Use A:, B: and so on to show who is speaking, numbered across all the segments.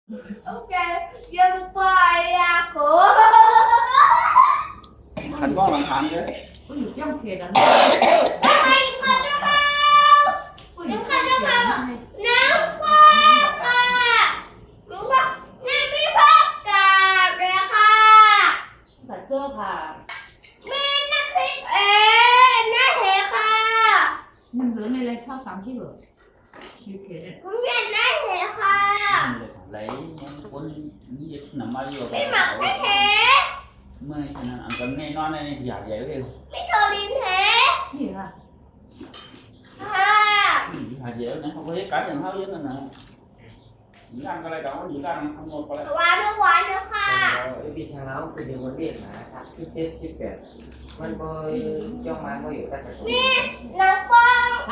A: ok dân quay à của
B: thành con làm thành chứ
C: có nhiều trong kia đó
A: đừng có đừng không nắng quá cả đừng có nắng mi phát cả rồiค่ะ
C: phải cơ hà
A: มีน้ำพริกน้าเหค่ะ
C: mình bữa nay lên 6 kg như thế
A: ผมอยากได้เหค่ะ
B: lấy cuốn dịch nằm bao nhiêu
A: ไม่หมักไม่เห
B: mới cho nên ăn cơm nghe non này giả dễ đi
A: ไม่โทรลินเห
C: gì à
A: ค่ะ
B: giả dễ này không có cá nhân tháo với nên là chỉ ăn cái này đó chỉ ăn không một cái
A: หวานด้วยหวานด้วยค่ะ
D: พี่ช้างแล้วคือเดี๋ยววันเด็กนะครับ17 18มันบ่ย่องมาบ่อยู่แต่
A: น้องปอง
C: hả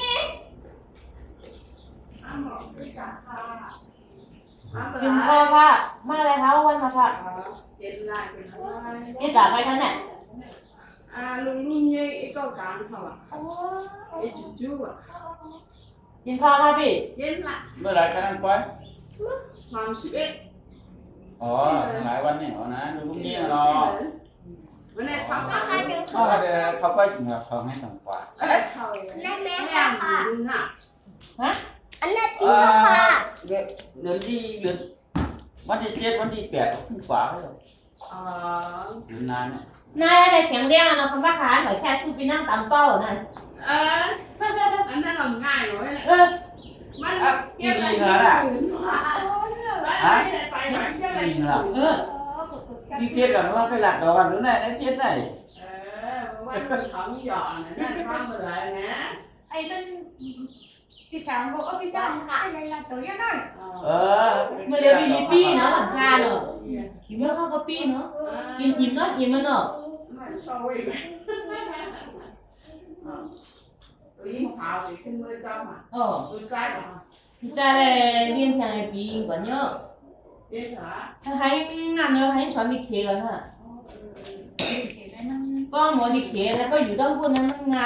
A: อ้าวพี่สาวค่ะ
C: กินข้าวค่ะมาอะไรคะวันมาค่ะ
E: เย็นได้เป็นอะไร
C: นี่จ่ายไปทั้งเนี่ย
E: ลุงนี่ยี่ไอ้เก้าการเขาอ่ะไอ้จู่ๆอ่ะ
C: กินข้าวค่ะพี่
E: เย็นละ
B: mới lại cái ăn quay
E: 31
B: lại quanh này họ nè đúng nhiên là
E: วันนี้สาม
A: ราคาเดียว
B: เขาก็ถึงกับเขาให้ต่ำกว่า
E: เขา
A: ได้ไหม
E: ไม่
A: คะ
E: อ่าน
A: ค่ะ
E: ดึงค่ะ
A: อันนั้นดีค่ะ
B: เดือนที่เดือนวันที่7วันที่8ก็ขึ้นกว่าแล้วเดือนนานเนี่ย
C: นายอะไรแข็งแรงอะเนาะคำว่าขาหน่อยแค่ซื้อไปนั่งตำเป้านั่น
E: อันนั้นเราง่ายเลย
C: เออ
E: มัน
B: กี่ปีแล้วน่ะ
E: ไปไหนเที่ยวไหน
B: ปีแล้ว
C: เออ
B: đi tiết là nó cái lạc đó nữa này nó tiết này
E: วันเขาหยอดนั่นข้ามมาเลยนะ
F: ไอ้เป็นพี่สาวบอกว่าพี่สาวขายอะไรล่ะตัวยังไง
C: เมื่อเดี๋ยวมีปีเนาะหลังคาเนาะกินเมื่อเข้ากับปีเนาะกินอิ่มเนาะอิ่มมันเนาะ
E: มันชอบวิ่งลิ้นสาวอีกขึ้นมือจ้ามา
C: อ๋อ
E: มือใจหรอ
C: พี่จ่ายเลยเรียนแข่งไอ้ปีกว่าเนาะ
E: เย็นเหรอ
C: ถ้าให้งานเนาะให้ช้อนดิเคกันฮะ
F: เดี๋ยวได้นั่ง
C: ก็หมอดิเคแล้วก็อยู่ต้องพูดนั้นมันงาน